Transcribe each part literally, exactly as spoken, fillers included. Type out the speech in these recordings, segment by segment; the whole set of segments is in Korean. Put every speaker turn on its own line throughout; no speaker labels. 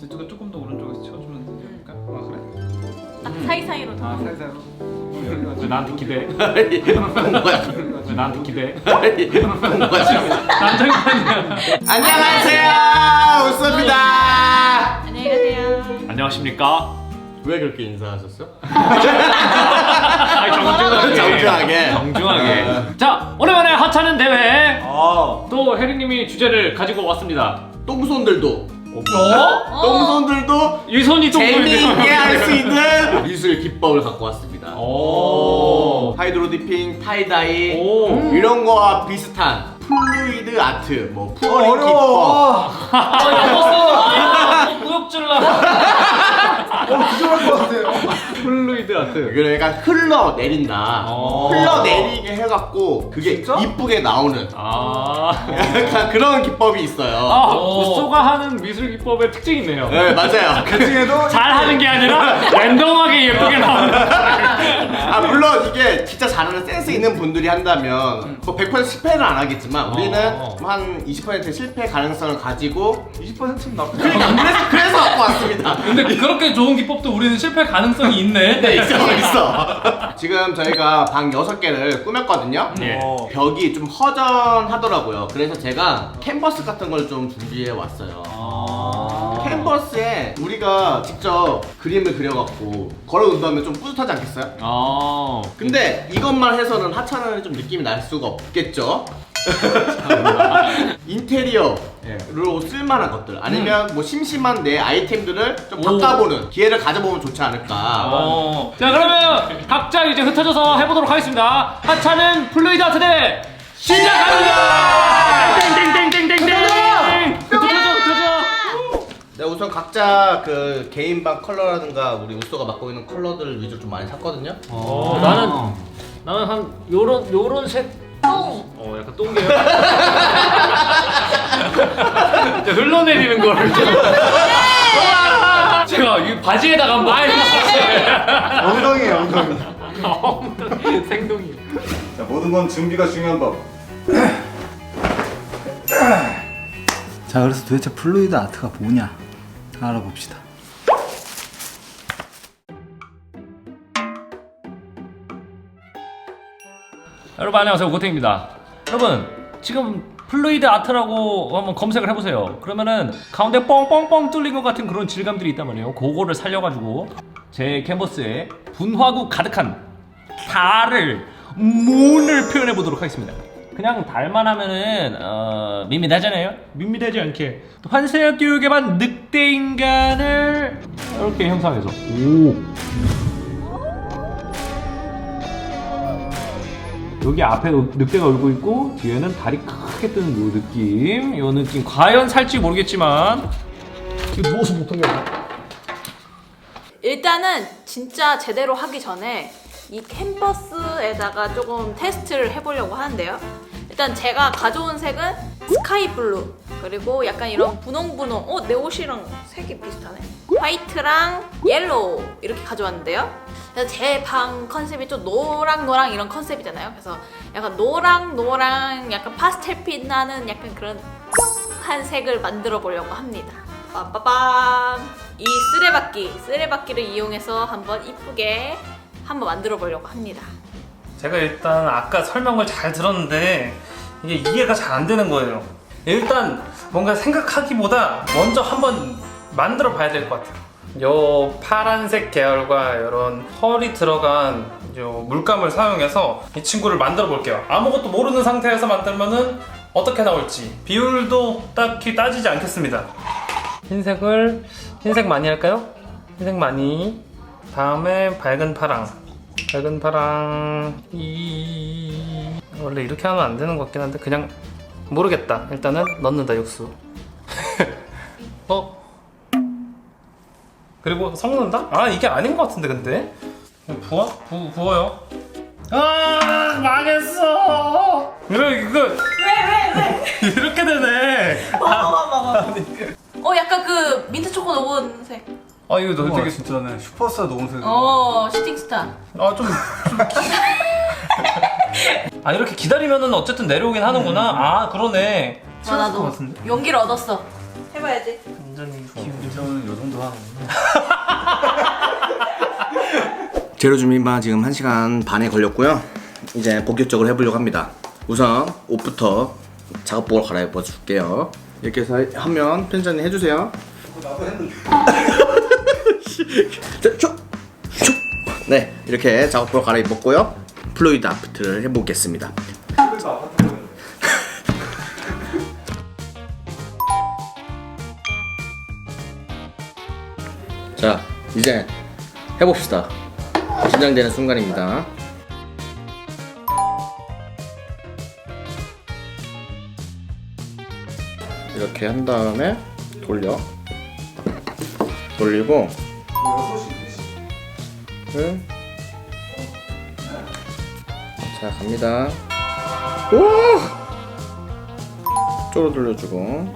이쪽에 조금 더 오른쪽에서 채워주면 되지 않을까? 아 그래?
딱 사이사이로
아 사이사이로. 여기가
왜 나한테 기대?
뭐야?
왜 나한테 기대?
뭐야 지금?
난장판이야.
안녕하세요, 우소입니다.
안녕히 가세요.
안녕하십니까?
왜 그렇게 인사하셨어요?
아니, 정중하게.
정중하게.
정중하게. 자, 오랜만에 하찮은 대회.
어.
또 혜리님이 주제를 가지고 왔습니다.
똥손들도.
어?
똥손들도
이 손이
재미있게 할 수 있는 미술 기법을 갖고 왔습니다.
오.
하이드로 디핑, 타이다이
오.
이런 거와 비슷한 플루이드 아트, 뭐 푸어링 기법.
어려워.
아, 무역질라.
어 기절할 것 같아요.
플루이드 아트.
그러니까 흘러 내린다.
어.
흘러 내리게 해갖고 그게
진짜?
이쁘게 나오는
아.
약간 그런 기법이 있어요.
아,
오.
우소가 하는 미술 기법의 특징이 있네요.
네, 맞아요.
그 중에도
잘 하는 게 아니라 랜덤하게 예쁘게 나오는.
아 물론 이게 진짜 잘하는 센스 있는 분들이 한다면 뭐 백 퍼센트 실패는 안 하겠지만 우리는
어.
한 이십 퍼센트 실패 가능성을 가지고
이십 퍼센트는 나쁘지
그러니까
않아.
그래서 그래서 갖고 왔습니다.
근데 그렇게 좋은 기법도 우리는 실패 가능성이 있네.
네, 있어 있어. 지금 저희가 방 여섯 개를 꾸몄거든요.
예.
어.
벽이 좀 허전하더라고요. 그래서 제가 캔버스 같은 걸 좀 준비해 왔어요.
아.
캔버스에 우리가 직접 그림을 그려갖고 걸어놓는다면 좀 뿌듯하지 않겠어요?
아.
근데 이것만 해서는 하찮은 좀 느낌이 날 수가 없겠죠? 인테리어로
예.
쓸만한 것들 아니면 뭐 심심한 내 아이템들을 좀 바꿔보는 기회를 가져보면 좋지 않을까.
어.
자, 그러면 각자 이제 흩어져서 해보도록 하겠습니다. 하찮은 플루이드 아트 대회 시작합니다. 땡땡땡땡땡땡. 흩어져, 흩어져.
네, 우선 각자 그 개인 방 컬러라든가 우리 우소가 맡고 있는 컬러들 위주로 좀 많이 샀거든요.
어, 나는 나는 한 요런 요런 색.
똥.
어, 약간 똥개요. 이제 흘러내리는 거를 좀. 제가 이 바지에다가 한번 해봤어요.
엉덩이에요 엉덩이.
생동이.
자 모든 건 준비가 중요한 법.
자, 그래서 도대체 플루이드 아트가 뭐냐 알아봅시다.
여러분 안녕하세요, 고탱입니다. 여러분 지금 플루이드 아트라고 한번 검색을 해보세요. 그러면은 가운데 뻥뻥뻥 뚫린 것 같은 그런 질감들이 있단 말이에요. 그거를 살려가지고 제 캔버스에 분화구 가득한 달을 문을 표현해 보도록 하겠습니다. 그냥 달만 하면은 어, 밋밋하잖아요. 밋밋하지 않게 환세역 교육에 반 늑대 인간을 이렇게 형상해서 오. 여기 앞에 늑대가 울고 있고 뒤에는 다리 크게 뜨는 요 느낌, 요 느낌 과연 살지 모르겠지만 이거 누워서 못하겠네.
일단은 진짜 제대로 하기 전에 이 캔버스에다가 조금 테스트를 해보려고 하는데요. 일단 제가 가져온 색은 스카이 블루, 그리고 약간 이런 분홍분홍, 어? 내 옷이랑 색이 비슷하네. 화이트랑 옐로우 이렇게 가져왔는데요. 그래서 제 방 컨셉이 좀 노랑노랑 이런 컨셉이잖아요. 그래서 약간 노랑노랑 약간 파스텔빛 나는 약간 그런 한 색을 만들어 보려고 합니다. 빠빠밤! 이 쓰레받기, 쓰레받기를 이용해서 한번 이쁘게 한번 만들어 보려고 합니다.
제가 일단 아까 설명을 잘 들었는데 이게 이해가 잘 안 되는 거예요. 일단 뭔가 생각하기보다 먼저 한번 만들어 봐야 될 것 같아요. 요 파란색 계열과 이런 펄이 들어간 요 물감을 사용해서 이 친구를 만들어 볼게요. 아무것도 모르는 상태에서 만들면은 어떻게 나올지 비율도 딱히 따지지 않겠습니다. 흰색을 흰색 많이 할까요? 흰색 많이. 다음에 밝은 파랑. 밝은 파랑. 이 원래 이렇게 하면 안 되는 것 같긴 한데 그냥 모르겠다. 일단은 넣는다 육수. 어? 그리고 섞는다? 아 이게 아닌 것 같은데 근데 부어? 부, 부어요. 아 망했어. 이거 이거 왜 왜 왜? 이렇게 되네.
어, 약간 그 민트 초코 녹은색.
아 이거 너
우와,
되게
진짜네. 슈퍼스타 노은색.
어, 슈팅스타.
아 좀. 좀 아 이렇게 기다리면은 어쨌든 내려오긴 하는구나. 아 그러네.
아, 나도
것 같은데?
용기를 얻었어. 해봐야지.
자 완전히 기운이
저는 요 정도 하는.
재료 준비만 지금 한 시간 반에 걸렸고요. 이제 본격적으로 해보려고 합니다. 우선 옷부터 작업복을 갈아입어 줄게요. 이렇게 해서 하면 편집자님 해주세요.
나도 했는데.
자, 슉! 슉! 네, 이렇게 작업복을 갈아입었고요. 플루이드 아트를 해보겠습니다. 자, 이제 해봅시다. 긴장되는 순간입니다. 이렇게 한 다음에 돌려. 돌리고 네. 자, 갑니다. 오! 쪼로 돌려주고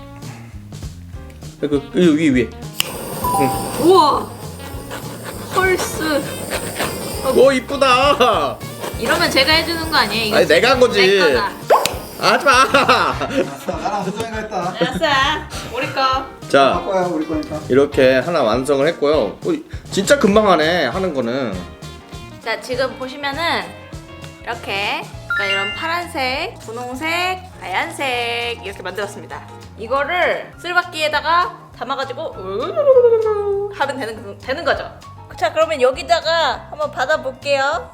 그, 그, 위 위에.
우와 헐스.
오, 이쁘다.
이러면 제가 해주는 거 아니에요? 이거
아니, 내가 한 거지.
내 거다.
하지마.
아싸, 나랑 수정이가 했다.
알았어 우리 거.
자,
거야, 우리 거니까.
이렇게 하나 완성을 했고요. 오, 진짜 금방 하네, 하는 거는.
자 지금 보시면은 이렇게 그러니까 이런 파란색, 분홍색, 하얀색 이렇게 만들었습니다. 이거를 쓸바퀴에다가 담아가지고 우르르르르르 하면 되는, 되는 거죠. 자 그러면 여기다가 한번 받아볼게요.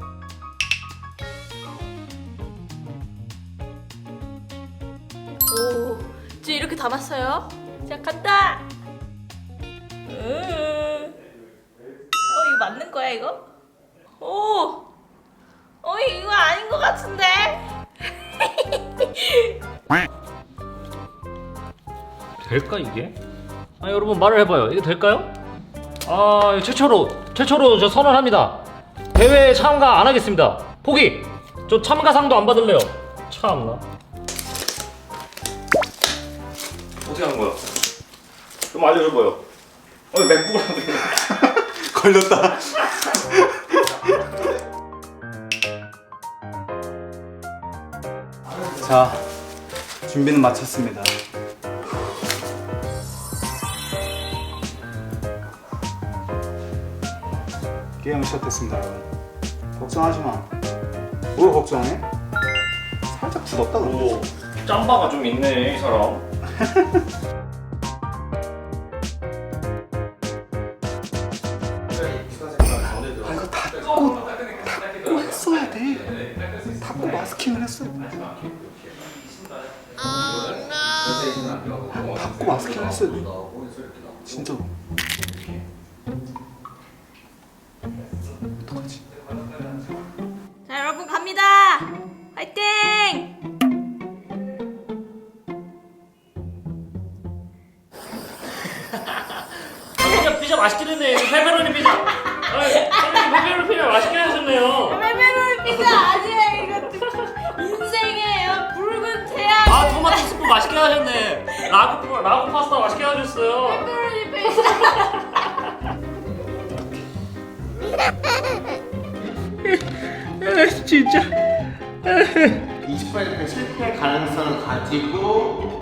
오, 지금 이렇게 담았어요. 자 간다. 음. 어 이거 맞는 거야 이거? 오, 어 이거 아닌 것 같은데?
될까 이게? 아 여러분 말을 해봐요. 이게 될까요? 아 최초로 최초로 저 선언합니다. 대회에 참가 안 하겠습니다. 포기. 저 참가상도 안 받을래요. 참나.
어떻게 하는 거야? 좀 알려줘봐요. 어, 맥북을 하는데. 걸렸다.
자, 준비는 마쳤습니다. 게임 시작됐습니다, 여러분. 걱정하지 마. 뭘 걱정해? 살짝 굳었다 근데.
오 짬바가 좀 있네 이 사람.
아, 이거 닫고 닫고 했어야 돼. 닫고 마스킹을 했어야 돼. 닫고 마스킹을 했어야 돼. 진짜로. 어떡하지?
자 여러분 갑니다. 화이팅!
피자 피자 맛있게 됐네. 페페로니 피자. 아, 페페로니 피자 맛있게 하셨네요.
페페로니 피자 아니에요. 이거 인생이에요. 붉은 태양.
아 토마토 스프 맛있게 하셨네. 라구 라구 파스타 맛있게 하셨어요.
페페로니 피자.
진짜.
이십 퍼센트 실패 가능성을 가지고.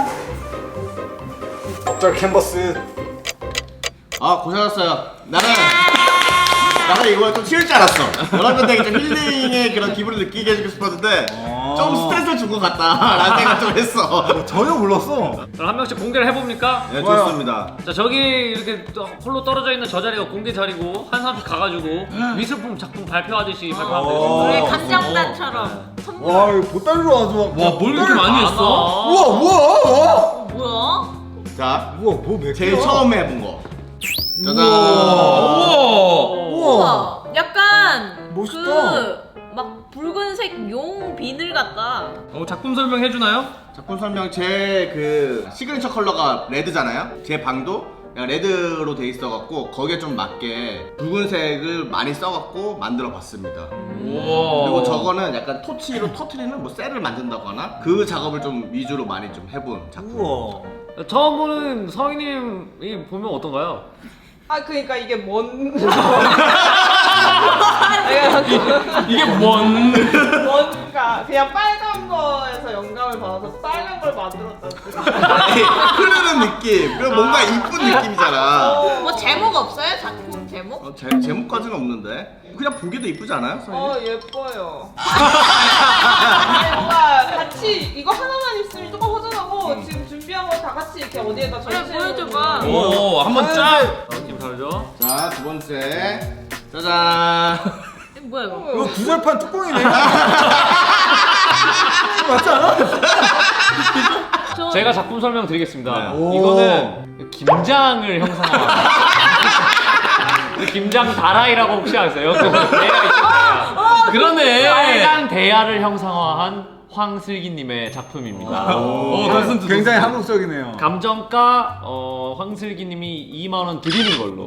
적절 캔버스.
아, 고생하셨어요. 나는 나는 이거 좀 쉬울 줄 알았어. 여러분들에게 좀 힐링의 그런 기분을 느끼게 해주고 싶었는데 좀 스트레스를 준 것 같다라는 생각 좀 했어.
전혀 몰랐어.
그럼 한 명씩 공개를 해봅니까?
네, 좋습니다.
자 저기 이렇게 또 홀로 떨어져 있는 저 자리가 공개 자리고 한 사람씩 가가지고 미술품 작품 발표하듯이 발표하면
어.
우리
되겠습니다.
감정단처럼 선물.
와, 이거 보따리로 아주 막.
와 뭘 이렇게 많이 했어?
우와, 우와, 우와.
어, 뭐야?
자,
우와, 뭐몇
제일
개야?
처음 해본 거. 짜잔.
우와.
우와. 약간
멋있다.
그 막 붉은색 용 비늘 같다.
어, 작품 설명 해주나요?
작품 설명 제 그 시그니처 컬러가 레드잖아요. 제 방도 약간 레드로 돼 있어갖고 거기에 좀 맞게 붉은색을 많이 써갖고 만들어봤습니다.
우와.
그리고 저거는 약간 토치로 터트리는 뭐 셀을 만든다고 하나? 그 작업을 좀 위주로 많이 좀 해본 작품.
우와.
처음 보는 성희님이 보면 어떤가요?
아 그러니까 이게 뭔
이게 뭔?
뭔가 그냥 빨간 거에서 영감을 받아서 빨간 걸 만들었다는 뜻.
아니, 흐르는 느낌. 그리고 뭔가 이쁜 느낌이잖아.
뭐 제목 없어요? 작품 제목?
어, 제, 제목까지는 없는데 그냥 보기도 이쁘지 않아요?
어 예뻐요. 아니, 뭔가 같이 이거 하나만 있으면 조금 허전하고 지금 준비한 거 다 같이 이렇게 어디에다
그래
전시해.
보여줘봐.
오, 한번 쫙. 느낌 다르죠?
자, 두 번째. 짜잔.
이거 뭐야 이거?
이거 구절판 뚜껑이네. 맞지 않아?
저...
제가 작품 설명 드리겠습니다.
네.
이거는 김장을 형상화한 김장 다라이라고 혹시 아세요? 그 대야 있잖아요. 그러네. 빨간 대야를 형상화한 황슬기님의 작품입니다.
오, 굉장히 한국적이네요.
감정가 어, 황슬기님이 이만 원 드리는 걸로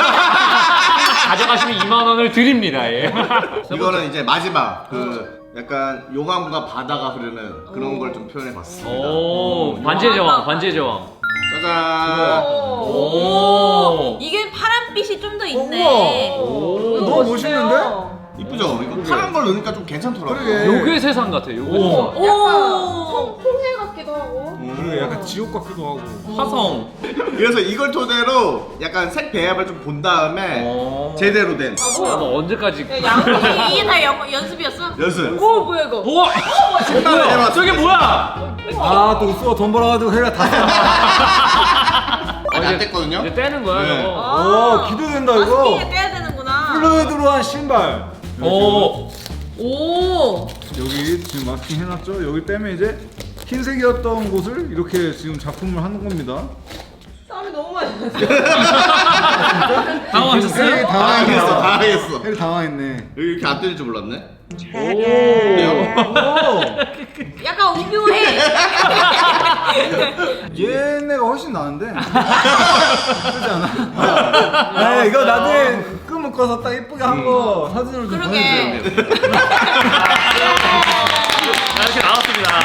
가져가시면 이만 원을 드립니다. 예.
이거는 이제 마지막 그 약간 용암과 바다가 흐르는 그런 걸 좀 표현해봤습니다.
오, 반지의 제왕, 반지의 제왕.
짜잔.
오.
오.
이게 파란빛이 좀 더 있네.
오.
너무 멋있는데?
이쁘죠? 이거 파란 걸 넣으니까 좀 괜찮더라고요.
그러게.
요괴 세상 같아. 요괴 세상.
오.
홍해 같기도 하고.
그리고 약간 지옥 같기도 하고.
화성.
그래서 이걸 토대로 약간 색 배합을 좀 본 다음에
오.
제대로 된
아
아,
뭐야?
너 언제까지?
야, 양.
이게 다 연, 연습이었어?
연습.
오 뭐야 이거?
우와!
생각을 해봤어.
저게 뭐야?
아, 또 쏘아 돈 벌어가지고 해가 다 써.
아직 안 뗐거든요?
이제 떼는 거야,
네.
이거.
오, 기대된다 이거.
마스킹에 떼야 되는구나.
플루이드로 한 신발.
오.
오.
여기 지금 마스킹 해놨죠? 여기 빼면 이제 흰색이었던 곳을 이렇게 지금 작품을 하는 겁니다.
땀이 너무 많이 났어.
당황하셨어요?
혜리
당황했어,
당황했네.
당황했어.
혜리 당황했네.
여기 이렇게 안 뜰 줄 몰랐네.
오.
오.
약간 오묘해.
얘네가 훨씬 나은데. 그렇지 않아? 아, 이거 나중에 끈 묶어서 딱 이쁘게 한 거 사진으로 좀
그러게.
보내주세요.
이렇게 나왔습니다.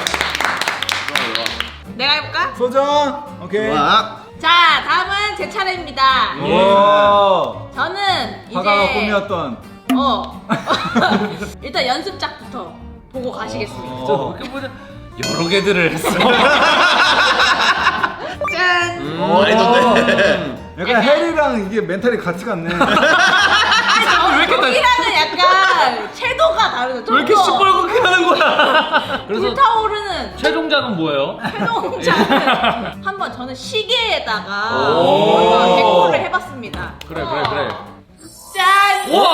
내가 해볼까?
소정. 오케이.
좋아.
자 다음은 제 차례입니다.
와.
저는 이제
바다가 꿈이었던.
어 일단 연습작부터 보고 가시겠습니다.
어.
이렇게 보자. 여러 개들을 했어.
짠.
어,
많이 줬네.
약간 혜리랑 이게 멘탈이 같이 갔네.
아니
왜 이렇게 다-
여기랑은 약간 섀도가 다르죠.
왜 이렇게 시뻘겋게 하는 거야? 그래서
불타오르는
최종작은 뭐예요?
최종작은 한번 저는 시계에다가
오.
한번 데코를 해봤습니다.
그래, 그래, 그래.
짠.
와!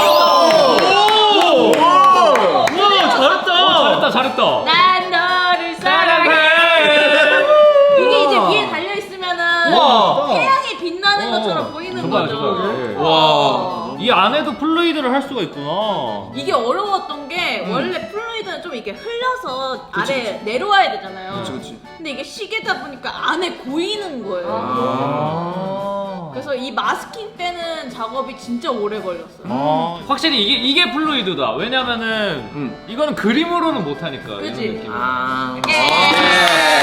오! 와, 잘했다. 잘했다, 잘했다.
난 너를 사랑해. 이게 이제 위에 달려 있으면은
와.
태양이 빛나는
어.
것처럼 보이는
정말,
거죠.
정말.
와.
이 안에도 플루이드를 할 수가 있구나.
이게 어려웠던 게
음.
원래 플루이드는 좀 이렇게 흘려서 아래 내려와야 되잖아요.
그치, 그치.
근데 이게 시계다 보니까 안에 고이는 거예요.
아.
그래서 이 마스킹 빼는 작업이 진짜 오래 걸렸어요.
아. 확실히 이게 이게 플루이드다. 왜냐면은
음.
이거는 그림으로는 못 하니까.
그치?
이런 느낌.
아.
예.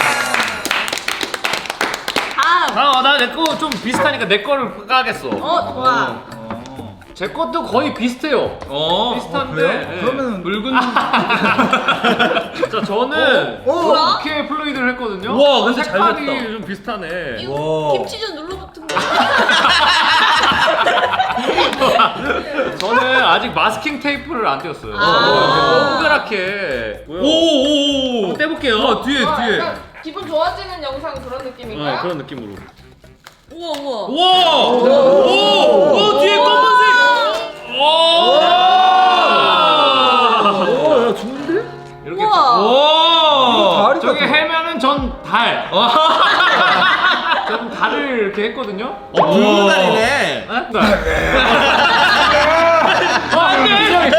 다음.
아, 나 내 거 좀 비슷하니까 내 거를 까겠어.
어 좋아.
제 것도 거의 비슷해요.
어,
비슷한데.
그래요?
예.
그러면은-
붉은. 자, 저는
어? 어?
이렇게 플루이드를 했거든요.
우와, 근데
색깔이
잘 됐다.
좀 비슷하네.
이거
와.
김치전 눌러붙은 거.
저는 아직 마스킹 테이프를 안 떼었어요.
아.
동그랗게.
오오오.
한번 떼볼게요.
뒤에
아,
뒤에.
약간 기분 좋아지는 영상 그런 느낌인가요?
네, 그런 느낌으로.
우와 우와.
와. 오. 오 뒤에 검은색. 오.
오, 야, 좋은데?
이렇게.
우와.
오.
다리
저기
같아.
해면은 전 달. 전 달을 이렇게 했거든요.
어, 붉은 달이네.
아, 안돼!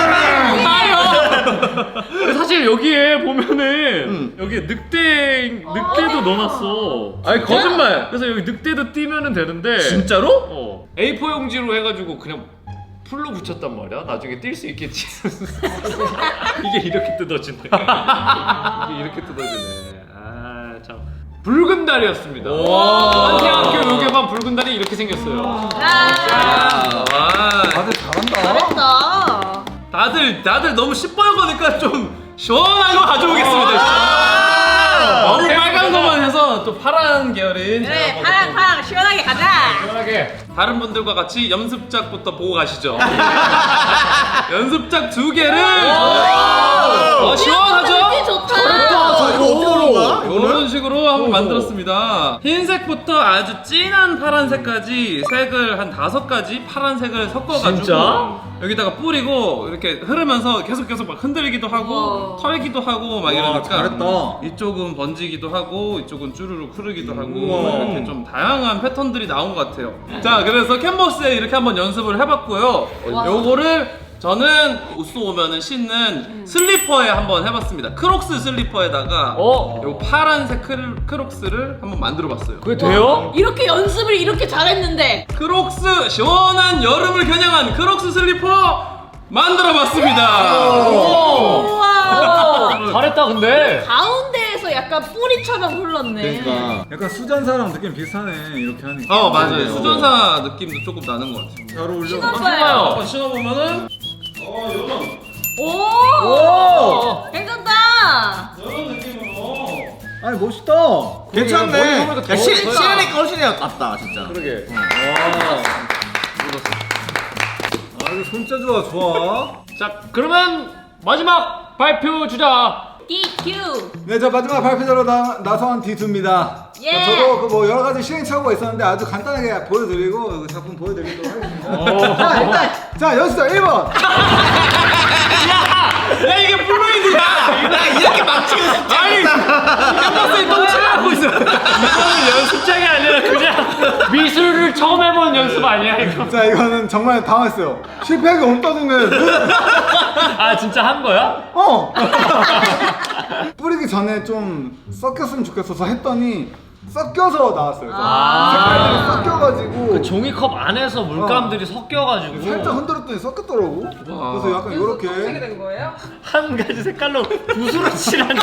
달이요! 사실 여기에 보면은
음.
여기 늑대 늑대도 넣어놨어.
아니 거짓말.
그래서 여기 늑대도 띄면은 되는데
진짜로?
어 에이포 용지로 해가지고 그냥 풀로 붙였단 말이야. 나중에 뛸 수 있겠지. 이게 이렇게 뜯어지네. 이게 이렇게 뜯어지네. 아 참. 붉은 달이었습니다. 한태학교 요괴반 붉은 달이 이렇게 생겼어요.
아,
와.
다들 잘한다.
잘했다.
다들 다들 너무 시뻘거니까 좀 시원한 거 가져오겠습니다. 너무 빨간 거만 해서 또 파란 계열인
그래 파랑 파랑 시원하게 가자.
편하게.
다른 분들과 같이 연습작부터 보고 가시죠. 연습작 두 개를 어, 시원하죠?
느낌 좋다.
아, 이거 어떻게 하는 거야?
이런 식으로 한번 만들었습니다. 흰색부터 아주 진한 파란색까지 색을 한 다섯 가지 파란색을 섞어가지고
진짜?
여기다가 뿌리고 이렇게 흐르면서 계속 계속 막 흔들기도 하고
우와.
털기도 하고 막
와,
이러니까
잘했다.
이쪽은 번지기도 하고 이쪽은 쭈루룩 흐르기도 하고
우와.
이렇게 좀 다양한 패턴들이 나온 것 같아요. 자, 그래서 캔버스에 이렇게 한번 연습을 해봤고요.
와.
요거를 저는 우스 오면은 신는 슬리퍼에 한번 해봤습니다. 크록스 슬리퍼에다가
어?
요 파란색 크를, 크록스를 한번 만들어봤어요.
그게 돼요?
이렇게 연습을 이렇게 잘했는데
크록스 시원한 여름을 겨냥한 크록스 슬리퍼 만들어봤습니다.
우와
잘했다 근데.
가운데에서 약간 뿌리처럼 흘렀네.
그러니까.
약간 수잔사랑 느낌 비슷하네 이렇게 하니까.
어 맞아요. 수전사 느낌도 조금 나는 것 같아요.
잘 어울려.
신어봐요.
한번 신어보면은 어 이런
오,
오!
괜찮다.
이런 느낌으로.
아니 멋있다.
괜찮네.
머리 보니까
야,
더
시,
멋있다.
시안이 거신이야 같다 진짜.
그러게.
아 이거 손재주가 좋아.
자 그러면 마지막 발표 주자.
디큐.
네, 저 마지막 발표자로 나, 나선 디투입니다.
예.
저도 그 뭐 여러 가지 시행착오가 있었는데 아주 간단하게 보여드리고 그 작품 보여드리도록 하겠습니다. 자, 일단 자 연습자 일 번.
야 이게 플루이드야.
야 이렇게 막히고 싶지 않다.
캔버스에 똥칠하고 있어.
이거는 연습장이 아니라 그냥 미술을 처음 해본 연습 아니야 이거?
자, 이거는 정말 당황했어요. 실패하기 없다는
아 진짜 한 거야?
어. 뿌리기 전에 좀 섞였으면 좋겠어서 했더니 섞여서 나왔어요.
아.
색깔들이 섞여가지고
그 종이컵 안에서 물감들이 섞여가지고
살짝 흔들었더니 섞였더라고. 그래서 약간
어떻게
이렇게
된 거예요?
한 가지 색깔로 붓으로 칠하는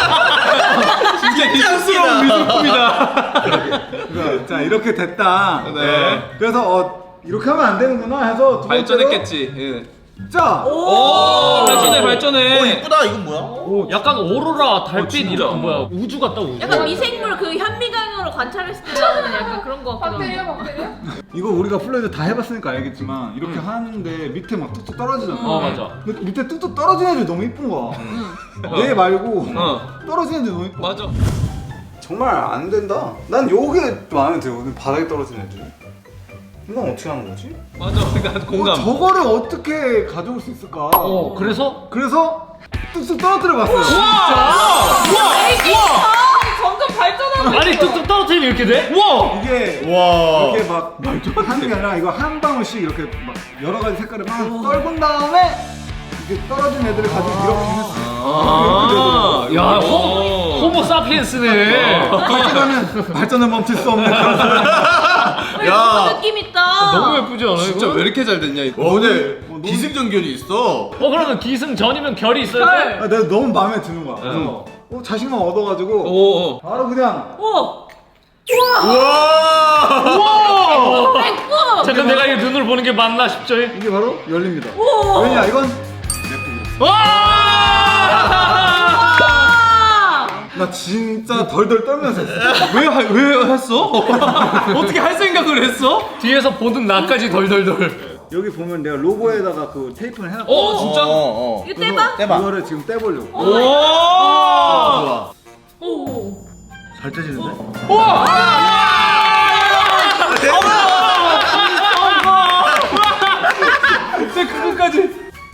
진짜 기술스러운 미술품이다.
그러니까 자 이렇게 됐다.
네.
그래서 어 이렇게 하면 안 되는구나 해서 두 번째로
발전했겠지. 예.
자.
오 발전해 발전해.
어 이쁘다 이건 뭐야?
약간 오로라 달빛
진짜?
이런 뭐야 우주 같다 우주.
약간 미생물 그 현미경으로 관찰했을 때 나오는 약간 그런 거 같기도
박대리요,
하고.
박대리요?
이거 우리가 플레이드 다 해봤으니까 알겠지만 이렇게 하는데 밑에 막 뚝뚝 떨어지잖아.
어 맞아.
근데 밑에 뚝뚝 떨어지는 애들이 너무 이쁜 거야. 얘 말고
어.
떨어지는 애들이 너무 이뻐.
맞아.
정말 안 된다. 난 요게 마음에 들어. 바닥에 떨어지는 애들. 이건 어떻게 하는 거지?
맞아. 그러니까 공감.
어, 저거를 어떻게 가져올 수 있을까?
어 그래서
그래서 뚝뚝 떨어뜨려 봤어요.
점점 발전하고
아니
있어.
뚝뚝 떨어뜨리면 이렇게 돼?
우와.
이게
와.
이렇게 막 하는 게 아니라 이거 한 방울씩 이렇게 막 여러 가지 색깔을 막 떨군 다음에 이게 떨어진 애들을 가지고 이렇게 했어.
아.
야
오.
호모, 호모 사피엔스네.
발전하면 발전을 멈출 수 없는 그런 사람.
야 느낌 있다.
너무 예쁘지 않아
진짜
이거?
왜 이렇게 잘 됐냐 이거.
와 근데 기승전결이 있어.
어 그러면 기승 전이면 결이 있어야 돼?
아, 내가 너무 마음에 드는 거야. 그래서 어, 자신감 얻어가지고
오. 오.
바로 그냥
오.
우와!
백구.
잠깐 내가 이 눈으로 보는 게 맞나 싶죠?
이게 바로 열립니다.
오.
왜냐 이건
와!
아.
나 진짜 덜덜 떨면서 했어.
왜, 하- 왜 했어? 어떻게 할 생각을 했어?
뒤에서 보는 나까지 덜덜덜.
여기 보면 내가 로고에다가 그 테이프를 해놨고
어 진짜?
어, 어.
이거 떼봐.
떼봐.
이거를 지금 떼보려고.
오!
좋아.
오.
잘 떼지는데?
진짜 그거까지.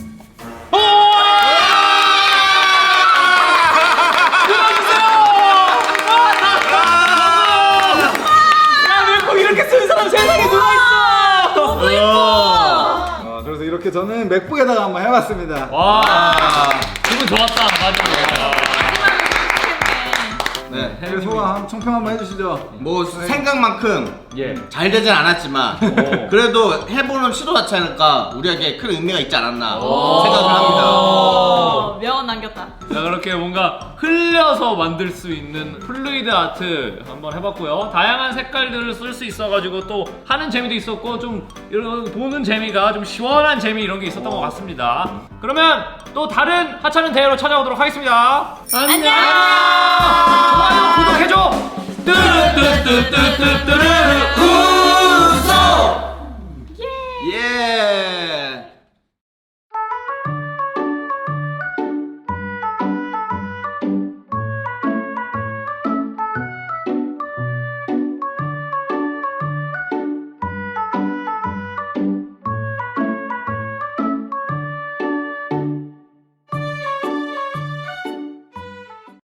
너무 예뻐.
어, 그래서 이렇게 저는 맥북에다가 한번 해봤습니다.
와, 기분 좋았다. 맞아.
네.
네, 소감 총평 한번 해주시죠.
뭐 생각만큼
예.
잘 되진 않았지만
오.
그래도 해보는 시도 자체니까 우리에게 큰 의미가 있지 않았나
오.
생각을 합니다.
어, 명언 남겼다.
자, 그렇게 뭔가 흘려서 만들 수 있는 플루이드 아트 한번 해봤고요. 다양한 색깔들을 쓸 수 있어가지고 또 하는 재미도 있었고 좀 이런 보는 재미가 좀 시원한 재미 이런 게 있었던 것 같습니다. 그러면 또 다른 하찮은 대회로 찾아오도록 하겠습니다. 안녕. 좋아요 구독해줘. 뚜루뚜뚜뚜뚜뚜루.